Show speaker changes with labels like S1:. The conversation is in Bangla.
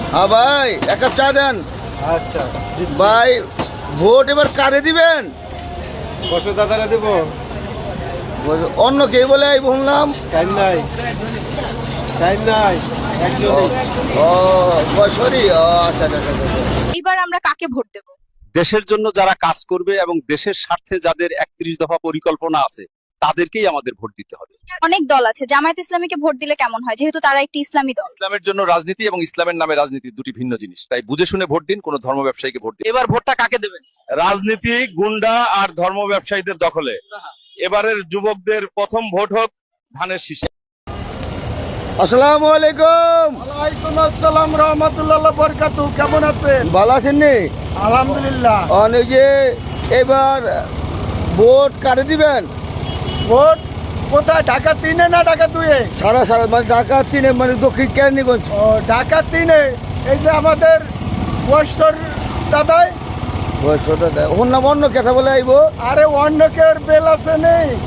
S1: হ্যাঁ ভাই, এক কাপ চা দেন।
S2: আচ্ছা
S1: ভাই, ভোট এবার কারে দিবেন?
S2: বসো দাদারা দেবো।
S1: অন্য কে বলে এই বললাম।
S2: টাইম নাই, টাইম নাই, একজনই।
S1: ও সরি, আচ্ছা আচ্ছা আচ্ছা, আচ্ছা।
S3: এইবার আমরা কাকে ভোট দেব?
S4: দেশের জন্য যারা কাজ করবে এবং দেশের স্বার্থে যাদের 31 দফা পরিকল্পনা আছে তাদেরকেই আমাদের ভোট দিতে হবে।
S3: অনেক দল আছে, জামায়াত ইসলামীকে ভোট দিলে কেমন হয়, যেহেতু তারা একটি ইসলামী দল?
S4: ইসলামের জন্য রাজনীতি এবং ইসলামের নামে রাজনীতি দুটি ভিন্ন জিনিস, তাই বুঝে শুনে ভোট দিন, কোনো ধর্ম ব্যবসায়ীকে ভোট দিন।
S3: এবার ভোটটা কাকে দেবেন?
S5: রাজনীতি গুন্ডা আর ধর্ম ব্যবসায়ীদের দখলে। এবারের যুবকদের প্রথম ভোট হোক ধানের শীষে।
S1: আসসালামু আলাইকুম।
S2: ওয়ালাইকুম আসসালাম রহমতুল্লাহ বরকাতু। কেমন আছেন?
S1: ভালো আছেন নি?
S2: আলহামদুলিল্লাহ।
S1: অনেক যে এবার ভোট কারে দিবেন?
S2: ভোট কোথায়? ঢাকা 3-এ না ঢাকা 2-এ?
S1: সারা সারা মানে ঢাকা 3-এ, মানে দক্ষিণ কেরানীগঞ্জ।
S2: ও ঢাকা 3-এ। এই যে আমাদের বয়স্কর দাদাই।
S1: ওর নাম অন্য কথা বলে আইবো।
S2: আরে অন্য কেউ বেল আছে নেই।